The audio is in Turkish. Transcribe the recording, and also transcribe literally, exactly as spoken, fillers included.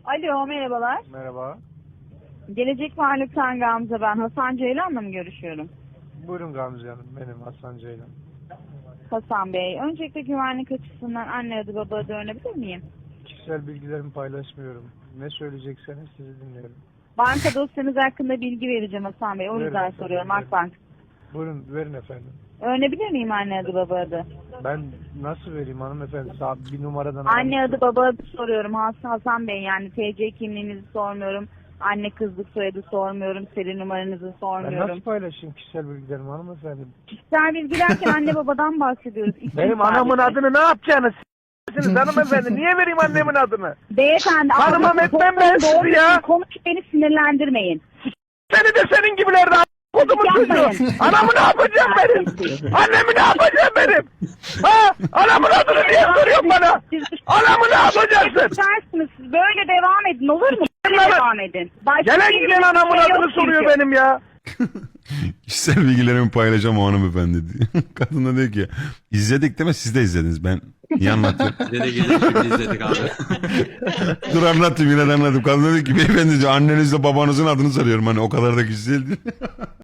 Alo, merhabalar. Merhaba. Gelecek Varlık'tan Gamze ben. Hasan Ceylan'la mı görüşüyorum? Buyurun Gamze Hanım. Benim Hasan Ceylan. Hasan Bey, öncelikle güvenlik açısından anne adı baba adı öğrenebilir miyim? Kişisel bilgilerimi paylaşmıyorum. Ne söyleyecekseniz sizi dinliyorum. Banka dosyanız hakkında bilgi vereceğim Hasan Bey. O Verin yüzden efendim, soruyorum verin. Akbank. Buyurun verin efendim. Öğrenebilir miyim anne adı baba adı? Ben nasıl vereyim hanımefendi? Sağ bir numaradan Anne aramışsın. adı baba adı soruyorum Has- Hasan Bey. Yani T C kimliğinizi sormuyorum. Anne kızlık soyadı sormuyorum. Seri numaranızı Ben sormuyorum. nasıl paylaşayım kişisel bilgilerimi hanımefendi? Kişisel bilgi derken anne babadan bahsediyoruz. İsim Benim anamın sadece. adını ne yapacaksınız? S**siniz hanımefendi. Niye vereyim annemin adını? Beyefendi. Tanımam ağzınızı etmem ben toplayın, doğru sizi ya. düzgün Konuş, beni sinirlendirmeyin. Seni de senin gibilerde kodumun Yapmayın. çocuğu. Anamı ne yapacağım benim? Annemi ne yapacağım benim? Ha? Anamın adını niye soruyorsun bana? Anamı ne yapacaksın? Dersiniz, siz böyle devam edin olur mu? Böyle Lan- devam edin. Başka Gelen bir giden anamın şey yok adını soruyor çünkü. benim ya. Kişisel bilgilerimi paylaşacağım o hanımefendi diyor. Kadın da diyor ki izledik değil mi? Siz de izlediniz. Ben niye anlatıyorum? Bize de gelip şimdi izledik abi. Dur anlatayım yine de anlatayım. Kadın da diyor ki beyefendi diyor annenizle babanızın adını soruyorum. Hani o kadar da kişisel değil.